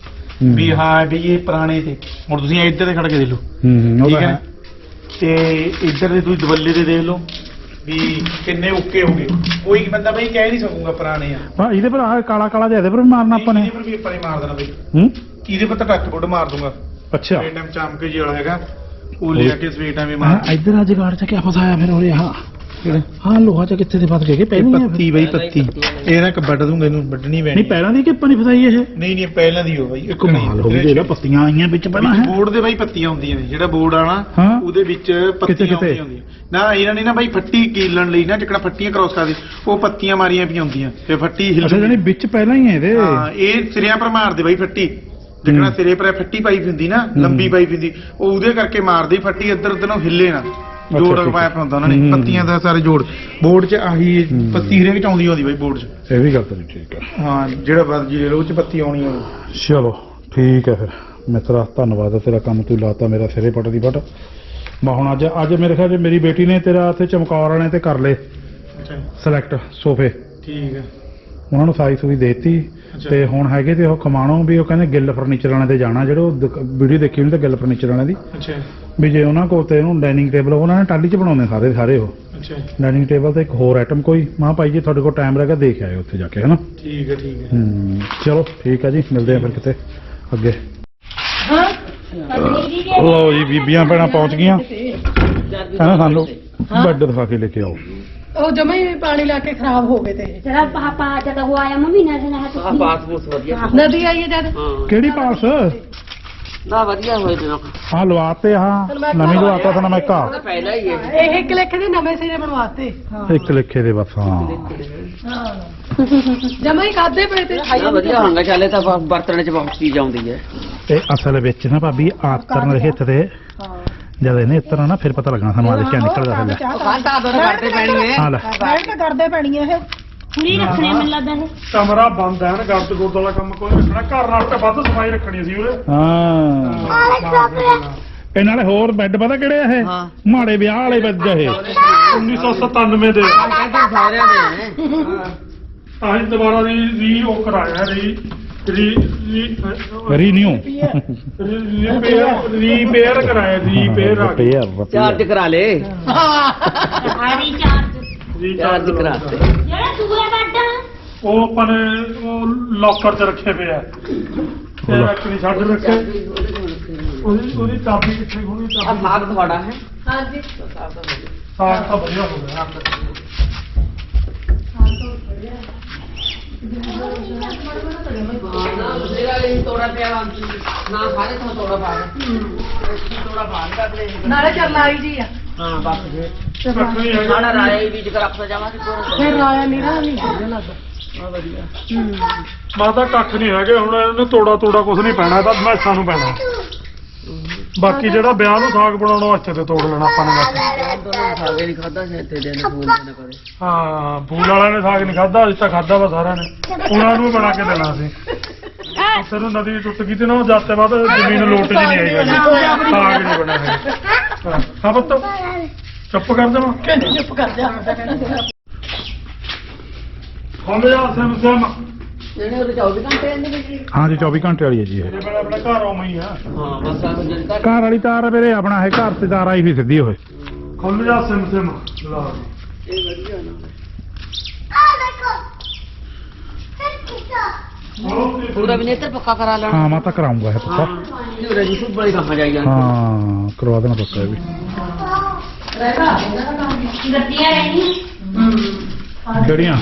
S2: ਵੀ ਹਾਂ ਵੀ ਇਹ ਪੁਰਾਣੇ ਤੇ ਹੁਣ ਤੁਸੀਂ ਇੱਧਰ ਦੇ ਖੜ ਕੇ ਦੇਖ ਲਓ
S1: ਉਹ
S2: ਠੀਕ
S1: ਤਾਂ
S2: ਹੈ
S1: ਹੈ।
S2: ਤੇ ਇੱਧਰ ਦੇ ਤੁਸੀਂ ਦਵੱਲੇ ਦੇ ਦੇਖ ਲਓ ਵੀ ਕਿੰਨੇ ਓਕੇ ਹੋ ਗਏ। ਕੋਈ ਬੰਦਾ ਬਈ ਕਹਿ ਨਹੀਂ ਸਕੂਗਾ ਪੁਰਾਣੇ ਆ।
S1: ਹਾਂ ਇਹਦੇ ਪਰ ਆਹ ਕਾਲਾ ਕਾਲਾ ਜਿਹਾ ਇਹਦੇ ਪਰ ਵੀ ਮਾਰਨਾ ਆਪਾਂ ਨੇ।
S2: ਇਹਦੇ ਪਰ ਵੀ ਆਪਾਂ ਨੇ ਮਾਰ ਦੇਣਾ ਬਈ,
S1: ਹੂੰ
S2: ਇਹਦੇ ਪਰ ਤਾਂ ਟੱਚ ਬੁੱਡ ਮਾਰ ਦੂੰਗਾ।
S1: ਅੱਛਾ
S2: ਸਵੇਰ ਟਾਈਮ ਚਮਕੇ ਜਿਹੜਾ ਹੈਗਾ ਉਹ ਲਿਆ ਕੇ ਸਵੇਰ ਟਾਈਮ ਹੀ ਮਾਰ
S1: ਹਾਂ ਇੱਧਰ ਅੱਜ ਗਾੜ ਚ ਕਿਆ ਫਸਾਇਆ ਫਿਰ ਉਹਨੇ ਹਾਂ ਲੋਹਾ ਚ ਕਿੱਥੇ ਦੇ ਫਸ ਗਏ ਪਹਿਲਾਂ
S2: ਪੱਤੀ ਬਈ ਪੱਤੀ ਇਹ ਨਾ ਵੱਢ ਦੂੰਗਾ, ਇਹਨੂੰ ਵੱਢਣੀ ਪੈਣੀ।
S1: ਨਹੀਂ ਪਹਿਲਾਂ ਦੀ ਕਿ ਆਪਾਂ ਨਹੀਂ ਫਸਾਈ ਇਹ
S2: ਨਹੀਂ ਪਹਿਲਾਂ ਦੀ ਹੋ ਬਈ ਇੱਕ
S1: ਕਮਾਲ ਹੋ ਗਈ, ਜਿਹੜਾ ਪੱਤੀਆਂ ਆਈਆਂ ਵਿੱਚ ਪਹਿਲਾਂ ਹੈ।
S2: ਬੋਰਡ ਦੇ ਬਾਈ ਪੱਤੀਆਂ ਹੁੰਦੀਆਂ ਨੇ, ਜਿਹੜਾ ਬੋਰਡ ਆ ਨਾ
S1: ਹਾਂ।
S2: ਉਹਦੇ ਵਿੱਚ ਪੱਤੀਆਂ
S1: ਕਿਤੇ?
S2: ਹੁੰਦੀਆਂ ਨਾ। ਇਹਨਾਂ ਨੇ ਨਾ ਬਾਈ ਫੱਟੀ ਕੀਲਣ ਲਈ ਨਾ ਜਿੱਕਣਾ ਫੱਟੀਆਂ ਕ੍ਰੋਸ ਕਰਦੇ ਉਹ ਪੱਤੀਆਂ ਮਾਰੀਆਂ ਪਈਆਂ ਹੁੰਦੀਆਂ ਤੇ ਫੱਟੀ
S1: ਅੱਛਾ ਜਾਨੀ ਵਿੱਚ ਪਹਿਲਾਂ ਹੀ ਹੈ ਇਹਦੇ।
S2: ਹਾਂ ਇਹ ਸਿਰਿਆਂ ਪਰ ਮਾਰਦੇ ਬਾਈ ਫੱਟੀ, ਜਿੱਕਣਾ ਸਿਰੇ ਪਰ ਫੱਟੀ ਪਾਈ ਹੁੰਦੀ ਨਾ, ਲੰਬੀ ਪਾਈ ਹੁੰਦੀ, ਉਹ ਉਹਦੇ ਕਰਕੇ ਮਾਰਦੀ ਫੱਟੀ ਇੱਧਰ ਉੱਧਰ ਨੂੰ ਹਿੱਲੇ ਨਾ। ਜੋੜ ਪਾਇਆ ਹੁੰਦਾ ਉਹਨਾਂ ਨੇ ਪੱਤੀਆਂ ਦਾ ਸਾਰੇ ਜੋੜ। ਬੋਰਡ 'ਚ ਆਹੀ ਪੱਤੀ ਹਰੇਕ 'ਚ ਆਉਂਦੀ ਬਾਈ ਬੋਰਡ 'ਚ।
S1: ਇਹ ਵੀ ਗੱਲ ਤੇਰੀ ਠੀਕ ਹੈ।
S2: ਹਾਂ ਜਿਹੜਾ ਮਰਜੀ ਲੈ ਲਓ ਉਹ 'ਚ ਪੱਤੀ ਆਉਣੀ ਆ।
S1: ਚਲੋ ਠੀਕ ਹੈ ਫਿਰ ਮਿੱਤਰਾ, ਧੰਨਵਾਦ ਤੇਰਾ, ਕੰਮ ਤੂੰ ਲਾਤਾ ਮੇਰਾ ਸਿਰੇ ਪੱਟ ਦੀ ਪੱਟ। ਮੈਂ ਹੁਣ ਅੱਜ ਮੇਰੇ ਖਿਆਲ 'ਚ ਮੇਰੀ ਬੇਟੀ ਨੇ ਤੇਰਾ ਇੱਥੇ ਚਮਕੌਰ ਵਾਲੇ ਤੇ ਕਰ ਲਏ ਸਿਲੈਕਟ ਸੋਫੇ।
S2: ਠੀਕ ਹੈ।
S1: ਉਹਨਾਂ ਨੂੰ ਸਾਈਜ਼ ਵੀ ਦੇਤੀ ਤੇ ਹੁਣ ਹੈਗੇ ਤੇ ਉਹ ਖਮਾਣੋ ਵੀ ਉਹ ਕਹਿੰਦੇ ਗਿੱਲ ਫਰਨੀਚਰ ਵਾਲੇ ਤੇ ਜਾਣਾ, ਜਿਹੜੇ ਵੀਡੀਓ ਦੇਖੀ ਉਹਨੇ ਤੇ ਗਿੱਲ ਫਰਨੀਚਰ ਵਾਲਿਆਂ ਦੀ।
S2: ਅੱਛਾ
S1: ਵੀ ਜੇ ਉਹਨਾਂ ਕੋਲ ਤੇ ਉਹਨੂੰ ਡਾਈਨਿੰਗ ਟੇਬਲ ਉਹਨਾਂ ਨੇ ਟਾਲੀ 'ਚ ਬਣਾਉਂਦੇ ਸਾਰੇ ਉਹ
S2: ਅੱਛਾ
S1: ਡਾਈਨਿੰਗ ਟੇਬਲ ਤੇ ਇੱਕ ਹੋਰ ਆਈਟਮ ਕੋਈ। ਮਾਂ ਭਾਈ ਜੀ ਤੁਹਾਡੇ ਕੋਲ ਟਾਈਮ ਰਹੇਗਾ ਦੇਖ ਆਇਓ ਉੱਥੇ ਜਾ ਕੇ ਹਨਾ।
S2: ਠੀਕ ਹੈ
S1: ਚਲੋ ਠੀਕ ਹੈ ਜੀ, ਮਿਲਦੇ ਆ ਫਿਰ ਕਿਤੇ ਅੱਗੇ। ਲਓ ਜੀ ਬੀਬੀਆਂ ਭੈਣਾਂ ਪਹੁੰਚ ਗਈਆਂ, ਕਹਿੰਦਾ ਸਾਨੂੰ ਬੈੱਡ ਦਿਖਾ ਕੇ ਲੈ ਕੇ ਆਓ।
S5: ਉਹ ਜਮਾ ਹੀ ਪਾਣੀ ਲਾ ਕੇ ਖਰਾਬ ਹੋ ਗਏ ਤੇ
S6: ਜਰਾ ਪਾਪਾ ਜਦ ਉਹ ਆਇਆ ਮੰਮੀ ਨੇ ਨਾ
S4: ਹਾਂ ਪਾਸ ਪੂਸ ਵਧੀਆ
S5: ਨਦੀ ਆਈ ਹੈ ਜਦ
S4: ਹਾਂ
S1: ਕਿਹੜੀ ਪਾਸ
S4: ਨਾ ਵਧੀਆ ਹੋਏ ਜਨਾ
S1: ਹਾਂ ਲਵਾਤੇ ਹਾਂ ਨਵੀਂ ਲਵਾਤਾ ਤਾਂ ਮੈਂ ਕਾ
S4: ਪਹਿਲਾਂ ਹੀ ਹੈ
S5: ਇਹ ਇੱਕ ਲਿਖ ਦੇ ਨਵੇਂ ਸਿਰੇ ਬਣਵਾਤੇ
S1: ਇੱਕ ਲਿਖੇ ਦੇ ਬਸ। ਹਾਂ
S5: ਜਮਾ ਹੀ ਖਾਦੇ ਪਏ ਤੇ
S4: ਨਾ ਵਧੀਆ ਹੋਣਗਾ, ਚੱਲੇ ਤਾਂ ਬਰਤਨ ਚ ਬਹੁਤ ਚੀਜ਼ ਆਉਂਦੀ ਹੈ।
S1: ਇਹ ਅਸਲ ਵਿੱਚ ਨਾ ਭਾਬੀ ਆਤਰਨ ਦੇ ਹਿੱਤ ਤੇ ਜਦ ਇਹਨੇ ਇਤਨਾ ਨਾ ਫਿਰ ਪਤਾ ਲੱਗਣਾ ਸਾਨੂੰ ਆਦੇ ਕਿਆ ਨਿਕਲਦਾ ਥੱਲੇ।
S5: ਖਾਂਦਾ ਦੋ ਕਰਦੇ ਪੈਣੀ ਹੈ
S1: ਹਾਂ ਲੈ
S5: ਬੈਠ ਕੇ ਕਰਦੇ ਪੈਣੀ ਹੈ ਇਹ
S6: ਪੂਰੀ ਰੱਖਣੇ ਮੈਨੂੰ ਲੱਗਦਾ ਇਹ
S2: ਕਮਰਾ ਬੰਦ ਹੈ ਨਾ, ਗਰਦ ਗੁਰਦ ਵਾਲਾ ਕੰਮ ਕੋਈ ਰੱਖਣਾ। ਘਰ ਨਾਲ ਤਾਂ ਵੱਧ ਸਫਾਈ ਰੱਖਣੀ ਸੀ ਉਹਦੇ।
S1: ਹਾਂ ਇਹ ਨਾਲੇ ਹੋਰ ਬੈੱਡ ਪਤਾ ਕਿਹੜੇ ਆ ਇਹ ਮਾੜੇ ਵਿਆਹ ਵਾਲੇ ਬੈੱਡ ਇਹ
S2: 1997 ਦੇ
S4: ਸਾਰਿਆਂ ਦੇ
S2: ਆਹੀ ਦੁਬਾਰਾ ਰੀ ਉਹ ਕਰਾਇਆ
S1: ਰੀਨਿਊ
S2: ਰੀਪੇਅਰ ਕਰਾਇਆ ਰੀਪੇਅਰ
S4: ਚਾਰਜ ਕਰਾ ਲੇ,
S6: ਹਾਰੀ
S4: ਚਾਰਜ ਕਰਾ ਤੇ
S6: ਜਿਹੜਾ ਦੂਆ ਬੈੱਡ
S2: ਉਹ ਆਪਾਂ ਨੇ ਉਹ ਲੋਕਰ 'ਚ ਰੱਖੇ ਪਏ ਆ ਤੇ ਰੱਖ ਨਹੀਂ ਛੱਡ ਰੱਖੇ। ਉਹਦੀ ਚਾਬੀ ਕਿੱਥੇ ਹੋਣੀ?
S4: ਆ ਸਾਗ ਤੁਹਾਡਾ ਹੈ?
S5: ਹਾਂਜੀ
S2: ਸਾਗ ਤਾਂ ਵਧੀਆ ਹੋ ਗਿਆ।
S4: ਤੋੜਾ ਪਿਆ ਨਾ ਸਾਰੇ ਤੋਂ ਤੋੜਾ ਪਾ ਤੋੜਾ ਪਾ ਦੇ
S5: ਨਾਲੇ ਚਰਨਾਈ ਜੀ ਆ
S4: ਹਾਂ ਬਸ ਜੇ
S2: ਰੱਖਣੀ ਹੈਗਾ
S4: ਸਾਡਾ ਰਾਏ ਵੀ ਜਿਕਰ ਰੱਖਦਾ ਜਾਵਾਂਗੇ
S5: ਫਿਰ ਰਾਇਆ ਨੀਰਾ ਨਹੀਂ ਵਧੀਆ ਲੱਗਦਾ
S4: ਆ ਵਧੀਆ
S2: ਮਾਤਾ ਕੱਖ ਨਹੀਂ ਹੈਗੇ ਹੁਣ, ਇਹਨੂੰ ਤੋੜਾ ਕੁਝ ਨਹੀਂ ਪੈਣਾ, ਤਾਂ ਮੈਸਾਂ ਨੂੰ ਪੈਣਾ। ਬਾਕੀ ਜਿਹੜਾ ਵਿਆਹ ਨੂੰ ਸਾਗ ਬਣਾਉਣਾ ਉਹ ਇੱਥੇ ਤੇ ਤੋੜ ਲੈਣਾ ਆਪਾਂ ਨੇ ਬਸ।
S4: ਦੋਨੋਂ ਸਾਗੇ ਨਹੀਂ ਖਾਦਾ ਸ਼ਾਇਦ ਤੇ ਦੇ ਫੂਲ ਨਾ ਕਰੇ।
S2: ਹਾਂ ਫੂਲ ਵਾਲਿਆਂ ਨੇ ਸਾਗ ਨਹੀਂ ਖਾਦਾ, ਅੱਜ ਤਾਂ ਖਾਦਾ ਵਾ ਸਾਰਿਆਂ ਨੇ, ਉਹਨਾਂ ਨੂੰ ਬਣਾ ਕੇ ਦੇਣਾ ਸੀ। ਉੱਥੇ ਨੂੰ ਨਦੀ ਟੁੱਟ ਗਈ ਤੇ ਨਾ ਉਹ ਜਾਤੇ ਬਾਅਦ ਜ਼ਮੀਨ ਲੋਟ ਜੀ ਨਹੀਂ ਆਈ ਸਾਗ ਨਹੀਂ ਬਣਿਆ ਹੈ। ਹਾਂ ਪੁੱਤ ਚੁੱਪ ਕਰ ਜਾਵਾਂ
S5: ਕਹਿੰਦੇ ਚੁੱਪ ਕਰ ਜਾ
S2: ਖੋਲੇ ਜਾ ਸਮ
S4: ਜਿਹੜੇ ਉਹਦੇ 24 ਘੰਟੇ ਰਹਿੰਦੇ ਨੇ ਜੀ।
S1: ਹਾਂ ਜੀ 24 ਘੰਟੇ ਵਾਲੀ ਹੈ ਜੀ ਇਹ।
S2: ਇਹ ਆਪਣਾ ਘਰ ਆਉਂ ਹੀ ਆ।
S4: ਹਾਂ ਬਸ ਆ ਜਿਹੜੇ ਘਰ
S1: ਘਰ ਵਾਲੀ ਤਾਰ ਮੇਰੇ ਆਪਣਾ ਇਹ ਘਰ ਤੇ ਤਾਰ ਆਈ ਵੀ ਸਿੱਧੀ ਹੋਏ।
S2: ਖੁੱਲ ਜਾ ਸਿਮ ਸਿਮ ਲਾ
S4: ਇਹ ਵਧੀਆ ਨਾ ਪੂਰਾ ਵੀ ਨੇਤਰ ਪੱਕਾ ਕਰਾ ਲੈਣਾ
S1: ਹਾਂ ਮੈਂ ਤਾਂ ਕਰਾਉਂਗਾ ਇਹ ਪੱਕਾ
S4: ਇਹ ਰਜੀ ਸੁਭ ਬੜੀ ਕੰਮ ਜਾਈ ਜਾਂਦੀ
S1: ਹਾਂ ਕਰਵਾ ਦੇਣਾ ਪੱਕਾ ਇਹ ਵੀ
S6: ਗੱਡੀਆਂ ਰਹਿਣੀਆਂ
S1: ਕਿਹੜੀਆਂ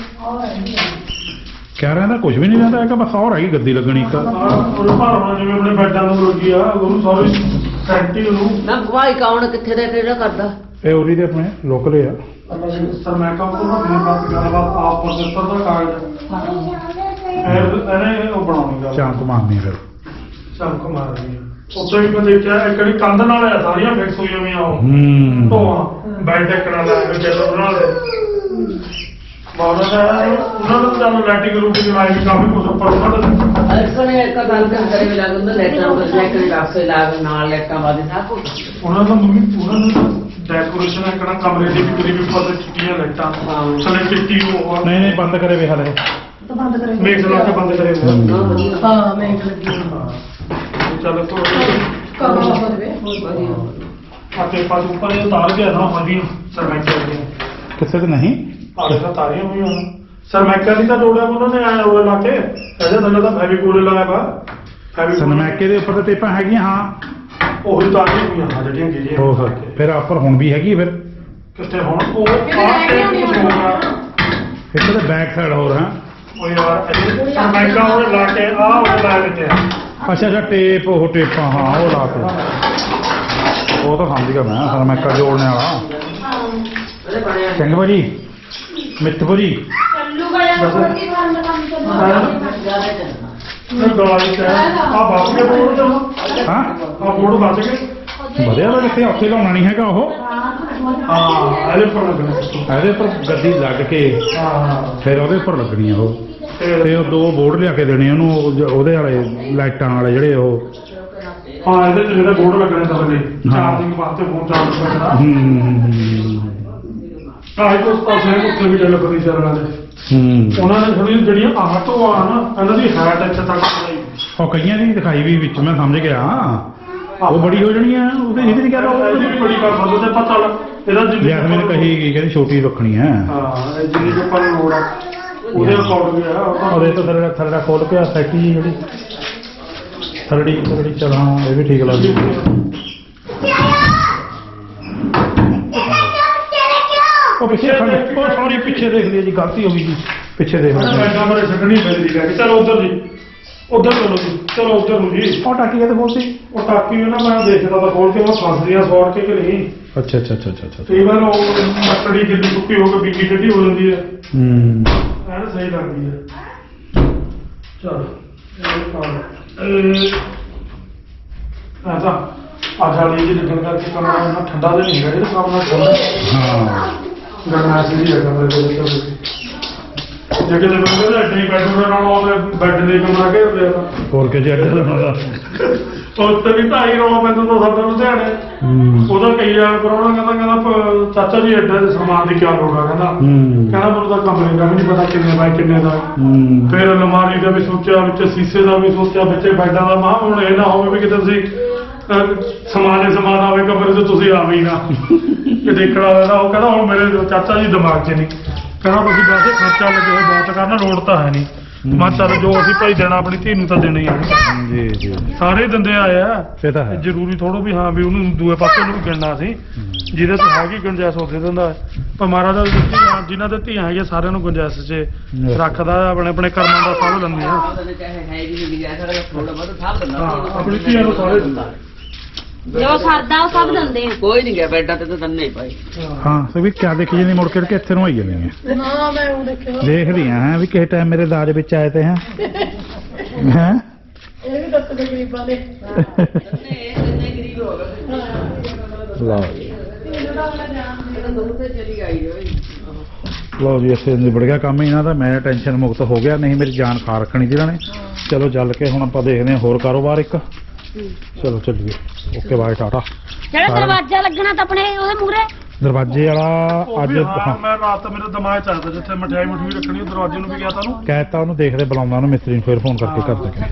S1: ਕਹਿ ਰਹਿੰਦਾ ਕੁਝ ਵੀ ਨਹੀਂ ਰਹਿੰਦਾ ਹੈਗਾ ਬਸ ਹੋਰ ਹੈਗੀ ਗੱਦੀ ਲੱਗਣੀ ਇੱਕ
S2: ਉਹ ਭਾਰਵਾ ਜਿਵੇਂ ਆਪਣੇ ਬੈਡਾਂ ਨੂੰ ਲੱਗੀ ਆ ਗੁਰੂ ਸਾਹਿਬ ਸੈਂਟੀ ਨੂੰ
S4: ਨਾ ਗਵਾਈ ਕੌਣ ਕਿੱਥੇ ਦਾ ਕਿਹੜਾ ਕਰਦਾ
S1: ਇਹ ਉਰੀ ਦੇ ਆਪਣੇ ਲੋਕਲ ਆ
S2: ਸਰ ਮੈਂ ਕਹਾਂ ਤੋਂ ਨਾ ਬਾਤ ਗੱਲਬਾਤ ਆਪ ਪ੍ਰੋਜੈਕਟਰ ਦਾ ਕਾਗਜ਼ ਇਹਨੇ ਉਹ ਬਣਾਉਣੀ ਗੱਲ
S1: ਚਾਂਕ ਮਾਰਨੀ ਫਿਰ
S2: ਚਮਕ ਮਾਰਦੀ ਆ ਉੱਥੇ ਵੀ ਮੈਂ ਦੇਖਿਆ ਇੱਕ ਜਿਹੜੀ ਕੰਧ ਨਾਲ ਆ ਸਾਰੀਆਂ ਫਿਕਸ ਹੋਈਆਂ ਹੋਈਆਂ ਉਹ
S1: ਹੂੰ
S2: ਢੋਆਂ ਬੈਡ ਟੱਕਣਾ ਲਾ ਕੇ ਚੱਲ ਬਣਾ ਲੈ ਬਾਬਾ ਦਾ ਉਹਨਾਂ ਨੂੰ ਤਾਂ ਲੈਟਿੰਗ ਰੂਟਿੰਗ ਲਾਈ ਵੀ ਕਾਫੀ ਕੁਝ ਉੱਪਰ ਉਹਨਾਂ
S4: ਅਰਸਨੇ ਇੱਕ ਗੱਲ ਕਰੇ ਵੀ ਲੱਗਦਾ ਲੈਟਾਂ ਨੂੰ ਲੈਟਾਂ ਦੇ ਰਾਸਤੇ ਲਾਗ ਨਾਲ ਲੈਟਾਂ ਵਾਦੇ ਸਭ ਕੁਝ
S2: ਉਹਨਾਂ ਦਾ ਉਹਨਾਂ ਨੂੰ ਡੈਕੋਰੇਸ਼ਨ ਹੈ ਕਿਹੜਾ ਕਮਰੇ ਦੀ ਵੀ ਕਰੀਬ ਉੱਪਰ ਤੇ ਚਿੱਟੀਆਂ ਲਾਈਟਾਂ ਥੱਲੇ ਚਿੱਟੀ ਉਹ
S1: ਨਹੀਂ ਨਹੀਂ ਬੰਦ ਕਰੇ ਵੇ ਹਲੇ
S5: ਤਾਂ ਬੰਦ ਕਰੇ
S2: ਮੇਕ ਲਾ ਕੇ ਬੰਦ ਕਰੇ ਹੋਏ ਆ।
S5: ਹਾਂ ਮੈਂ ਲੱਗੀ
S2: ਚੱਲ ਤੋਂ
S5: ਕਰਵਾ ਹੋਵੇ
S2: ਆਤੇ ਪਾਸ ਉੱਪਰ ਇਹ ਤਾਰ ਗਿਆ ਨਾ ਵਧੀਆ ਸਰਮੈਕਾ ਦੀ
S1: ਕਿਸੇ ਤੇ ਨਹੀਂ
S2: ਆਲੇ ਤਾਂ ਤਾਰੀਆਂ ਹੋਈਆਂ ਸਰਮੈਕਾ ਦੀ ਤਾਂ ਜੋੜਿਆ ਉਹਨਾਂ ਨੇ ਆਇਆ ਉਹ ਲਾ ਕੇ ਇਹਦੇ ਥੱਲੇ ਤਾਂ ਫੈਵੀਕੋਲ ਲਾਇਆ ਵਾ
S1: ਸਨਮੈਕੇ ਦੇ ਉੱਪਰ ਤੇ ਟੇਪਾਂ ਹੈਗੀਆਂ ਹਾਂ
S2: ਉਹੀ ਤਾਰੀਆਂ ਹੋਈਆਂ ਹਾਂ ਜਿਹੜੀਆਂ ਗਿਰੀਆਂ
S1: ਹੋ ਸਕਦੇ ਫਿਰ ਆਪਰ ਹੁਣ ਵੀ ਹੈਗੀ ਫਿਰ
S2: ਕਿੱਥੇ ਹੁਣ ਉਹ ਆਹ ਟੇਪ
S1: ਇੱਕ ਤਾਂ ਬੈਕ ਸਾਈਡ ਹੋਰ ਹਾਂ
S2: ਉਹ ਯਾਰ ਇਹ ਸਰਮੈਕਾ ਉਹ ਲਾ ਕੇ ਆਹ ਉਹ ਲਾ ਦਿੱਤੇ
S1: ਅੱਛਾ ਅੱਛਾ ਟੇਪ ਉਹ ਟੇਪਾਂ ਹਾਂ ਉਹ ਲਾ ਕੇ ਉਹ ਤਾਂ ਸਮਝ ਗਿਆ ਮੈਂ ਸਨਮੈਕਾ ਜੋੜਨੇ ਵਾਲਾ
S4: ਉਹਦੇ ਬਣਿਆ
S1: ਚੰਗਾ ਭਾਜੀ ਮਿੱਠੂ ਜੀ
S6: ਚੱਲੂਗਾ ਜਾਂ ਰੋਟੀ ਖਾਣ ਦਾ ਕੰਮ ਚੱਲੂਗਾ
S4: ਜ਼ਿਆਦਾ ਚੱਲਣਾ
S2: ਫਿਰ ਗਾਲੀ ਤੇ ਆਹ ਬਾਕੀ ਦੇ ਬੋਰਡ ਤੇ
S1: ਹਾਂ
S2: ਆਹ ਬੋਰਡ ਬਚ ਗਏ
S1: ਵਧਿਆ ਤਾਂ ਕਿੱਥੇ ਉੱਥੇ ਲਾਉਣਾ ਨਹੀਂ ਹੈਗਾ ਉਹ
S2: ਹਾਂ ਇਹਦੇ ਪਰ ਲੱਗਣਾ
S1: ਇਹਦੇ ਉੱਪਰ ਗੱਦੀ ਲੱਗ ਕੇ
S2: ਹਾਂ
S1: ਫਿਰ ਉਹਦੇ ਉੱਪਰ ਲੱਗਣੀ ਆ ਉਹ
S2: ਤੇ
S1: ਤੇ ਉਹ ਦੋ ਬੋਰਡ ਲਿਆ ਕੇ ਦੇਣੇ ਉਹਨੂੰ ਉਹਦੇ ਵਾਲੇ ਲਾਈਟਾਂ ਵਾਲੇ ਜਿਹੜੇ ਉਹ
S2: ਹਾਂ ਇਹਦੇ ਚ ਜਿਹੜੇ ਬੋਰਡ ਲੱਗਣੇ ਤਾਂ ਚਾਰਜਿੰਗ ਵਾਸਤੇ ਫੋਨ ਚਾਰਜ ਕਰਨਾ ਆਹ ਤੋਂ ਪਾਸੇ ਉੱਤੇ ਵੀ ਚੱਲ ਪਈ ਚੱਲਣਾ ਉਹਨਾਂ ਨੇ ਥੋੜੀ ਜਿਹੜੀਆਂ ਆਹ ਤੋਂ ਆ ਨਾ ਇਹਨਾਂ ਦੀ ਹਾਈਟ ਇੱਥੇ ਤੱਕ ਚਲਾਈ
S1: ਉਹ ਕਈਆਂ ਦੀ ਦਿਖਾਈ ਵੀ ਵਿੱਚ ਮੈਂ ਸਮਝ ਗਿਆ ਉਹ ਬੜੀ ਹੋ ਜਾਣੀ ਆ ਉਹਦੇ ਇਹਦੇ ਨਹੀਂ ਕਹਿੰਦਾ
S2: ਇਹਦੀ ਵੀ ਬੜੀ ਕਰ ਸਕਦੇ ਤੇ ਪਤਾ ਲੱਗ ਇਹਦਾ ਜਿੰਨੀ
S1: ਜੈਸਮੀਨ ਕਹੀ ਗਈ ਕਹਿੰਦੀ ਛੋਟੀ ਰੱਖਣੀ ਹੈ
S2: ਹਾਂ ਇਹ ਜਿੰਨੀ ਕੁ ਆਪਾਂ ਨੂੰ ਲੋੜ ਆ ਉਹਦੇ ਅਕੋਰਡਿੰਗ ਆ ਉਹ ਤਾਂ
S1: ਉਹਦੇ ਤੋਂ ਥੱਲੇ ਖੋਲ ਕੇ ਸੈਟੀ ਜਿਹੜੀ ਥਰੜੀ ਚਲਾ ਇਹ ਵੀ ਠੀਕ ਲੱਗਦੀ ਉਹ ਪਿੱਛੇ ਉਹ ਸੌਰੀ ਪਿੱਛੇ ਦੇਖ ਲਈ ਜੀ ਗਲਤੀ ਹੋ ਗਈ ਜੀ ਪਿੱਛੇ ਦੇਖ
S2: ਮੈਂ
S1: ਲਈ
S2: ਕਮਰੇ ਛੱਡਣੀ ਪੈਂਦੀ ਲੈ ਕੇ ਚਲੋ ਉਧਰ ਜੀ ਉਧਰ ਚਲੋ ਜੀ ਚਲੋ ਉਧਰ ਨੂੰ ਜੀ
S1: ਉਹ ਟਾਕੀ ਕਿਤੇ ਖੋਲਦੀ
S2: ਉਹ ਟਾਕੀ ਨੂੰ ਨਾ ਮੈਂ ਦੇਖਦਾ ਤਾਂ ਖੋਲ ਕੇ ਉਹ ਫਸਦੀਆਂ ਸੌੜ ਕੇ ਕਿ ਨਹੀਂ
S1: ਅੱਛਾ ਅੱਛਾ ਅੱਛਾ ਅੱਛਾ ਅੱਛਾ
S2: ਕਈ ਵਾਰ ਉਹ ਮੱਕੜੀ ਜਿੱਦੀ ਸੁੱਕੀ ਹੋ ਕੇ ਬਿੱਕੀ ਟੱਡੀ ਹੋ ਜਾਂਦੀ ਹੈ ਐਨ ਸਹੀ ਲੱਗਦੀ ਹੈ ਚਲ ਇਹ ਤਾਂ ਅੱਜ ਵਾਲੀ ਜੀ ਲੱਗਣ ਕਰਕੇ ਕਮਰਾ ਉਹਨਾਂ ਠੰਡਾ ਜਿਹਾ ਨਹੀਂ ਹੈਗਾ ਜਿਹੜਾ ਕੰਮ ਨਾਲ ਠੰਡਾ
S1: ਹਾਂ
S2: ਗਰਮੈਸ਼ ਜੀ ਹੈ ਕਮਰੇ ਦੇ ਵਿੱਚ ਜੇ ਕਿਤੇ ਬੰਦੇ ਦਾ ਐਡੇ ਬੈੱਡ ਨਾਲ ਉਹਦੇ ਬੈੱਡ ਦੇ ਕਮਰਾ ਘੇਰ ਲਿਆ ਤਾਂ
S1: ਹੋਰ ਕਿ ਜੇ ਅੱਡੇ ਦਾ
S2: ਉੱਤੇ ਵੀ ਢਾਈ ਰੌਲਾ ਪੈਂਦਾ ਤਾਂ ਸਾਡਾ ਲੁਧਿਆਣੇ ਉਹਦਾ ਕਈ ਆ ਪਰੋਣਾ ਕਹਿੰਦਾ ਚਾਚਾ ਜੀ ਐਡਾ ਦੇ ਸਮਾਨ ਦੀ ਕੀ ਲੋੜ ਆ ਕਹਿੰਦਾ ਮੈਨੂੰ ਤਾਂ ਕਮਰੇ ਦਾ ਵੀ ਨਹੀਂ ਪਤਾ ਕਿੰਨੇ ਬਾਈ ਕਿੰਨੇ ਦਾ ਫਿਰ ਅਲਮਾਰੀ ਦਾ ਵੀ ਸੋਚਿਆ ਵਿੱਚ ਸੀਸੇ ਦਾ ਵੀ ਸੋਚਿਆ ਵਿੱਚ ਬੈੱਡਾਂ ਦਾ ਮਾਂ ਹੁਣ ਇਹ ਨਾ ਹੋਵੇ ਵੀ ਕਿਤੇ ਤੁਸੀਂ ਸਮਾਨ ਆਵੇ ਕਮਰੇ 'ਚ ਤੁਸੀਂ ਆਵੇ ਹੀ ਨਾ ਕਿ ਦੇਖਣਾ ਰਹਿੰਦਾ ਉਹ ਕਹਿੰਦਾ ਹੁਣ ਮੇਰੇ ਚਾਚਾ ਜੀ ਦਿਮਾਗ 'ਚ ਨਹੀਂ ਕਹਿੰਦਾ ਤੁਸੀਂ ਵੈਸੇ ਖਰਚਾ ਲੱਗੇ ਹੋਏ ਬਹੁਤ ਕਰਨਾ ਲੋੜ ਤਾਂ ਹੈ ਨਹੀਂ ਮੈਂ ਚੱਲ ਜੋ ਅਸੀਂ ਭਾਈ ਦੇਣਾ ਆਪਣੀ ਧੀ ਨੂੰ ਤਾਂ ਦੇਣਾ ਹੀ ਆ
S1: ਜੀ ਜੀ
S2: ਸਾਰੇ ਦਿੰਦੇ ਆਏ ਆ
S1: ਇਹ ਤਾਂ ਹੈ
S2: ਜ਼ਰੂਰੀ ਥੋੜੋ ਵੀ ਹਾਂ ਵੀ ਉਹਨੂੰ ਦੂਏ ਪਾਸੇ ਨੂੰ ਵੀ ਗਿਣਨਾ ਸੀ ਜਿਹਦੇ ਤੇ ਹੈਗੀ ਗੁੰਜਾਇਸ਼ ਉੱਥੇ ਦਿੰਦਾ ਪਰ ਮਹਾਰਾਜ ਦਾ ਜਿਨ੍ਹਾਂ ਦੇ ਧੀਆਂ ਹੈਗੀਆਂ ਸਾਰਿਆਂ ਨੂੰ ਗੁੰਜਾਇਸ਼ 'ਚ ਰੱਖਦਾ ਆਪਣੇ ਆਪਣੇ ਕਰਮਾਂ ਦਾ ਫਲ ਲੈਂਦੇ ਆ
S4: ਚਾਹੇ ਹੈ ਵੀ ਨਹੀਂ ਗਿਆ ਸਾਡਾ ਥੋੜਾ ਬਹੁਤ ਸਭ ਦਿੰਦਾ
S2: ਆਪਣੀ ਧੀਆਂ ਨੂੰ ਸਾਰੇ ਦਿੰਦਾ
S6: ਜੋ ਸਰਦਾ ਉਹ ਸਭ ਦਿੰਦੇ ਆ
S4: ਕੋਈ ਨਹੀਂ ਗਿਆ ਬੈਡਾਂ ਤੇ ਤਾਂ ਦੰਨੇ ਹੀ ਭਾਈ
S1: ਹਾਂ ਸੋ ਵੀ ਕਿਆ ਦੇਖੀ ਜਾਂਦੀ ਮੁੜ ਕੇ ਇੱਥੇ ਨੂੰ ਆਈ ਜਾਂਦੀ ਹੈ
S5: ਨਾ ਮੈਂ ਉਹ ਦੇਖਿਆ
S1: ਦੇਖਦੀ ਹਾਂ ਵੀ ਕਿਸੇ ਟਾਈਮ ਮੇਰੇ ਦਾਜ ਵਿੱਚ ਆਏ ਤੇ ਹੈ ਹੈ
S5: ਇਹ ਵੀ ਦੱਸ ਦੇ ਗਰੀਬਾਂ ਦੇ
S4: ਦੰਨੇ ਗਰੀਬ ਹੋ ਗਏ
S1: ਲਓ
S4: ਦੁੱਧ ਤੇ ਚਲੀ ਆਈ ਹੋਈ
S1: ਲਓ ਜੀ ਇੱਥੇ ਨਿਬੜ ਗਿਆ ਕੰਮ ਇਹਨਾਂ ਦਾ ਮੈਂ ਟੈਨਸ਼ਨ ਮੁਕਤ ਹੋ ਗਿਆ ਨਹੀਂ ਮੇਰੀ ਜਾਨ ਖਾ ਰੱਖਣੀ ਜਿਹਨਾਂ ਨੇ ਚਲੋ ਚੱਲ ਕੇ ਹੁਣ ਆਪਾਂ ਦੇਖਦੇ ਹਾਂ ਹੋਰ ਕਾਰੋਬਾਰ ਇੱਕ ਚਲੋ ਚੱਲੀਏ ਓਕੇ ਬਾਏ ਟਾਟਾ
S6: ਜਿਹੜਾ ਦਰਵਾਜ਼ਾ ਲੱਗਣਾ ਤਾਂ ਆਪਣੇ ਉਹਦੇ ਮੂਹਰੇ
S1: ਦਰਵਾਜ਼ੇ ਵਾਲਾ ਅੱਜ
S2: ਹਾਂ ਮੈਂ ਰਾਤ ਮੇਰੇ ਦਿਮਾਗ 'ਚ ਆਇਆ ਜਿੱਥੇ ਮਠਿਆਈ ਰੱਖਣੀ ਉਹ ਦਰਵਾਜ਼ੇ ਨੂੰ ਵੀ ਗਿਆ ਤੁਹਾਨੂੰ
S1: ਕਹਿਤਾ ਉਹਨੂੰ ਦੇਖਦੇ ਬੁਲਾਉਂਦਾ ਉਹਨੂੰ ਮਿਸਤਰੀ ਨੂੰ ਫਿਰ ਫੋਨ ਕਰਕੇ ਕਰ ਦੇ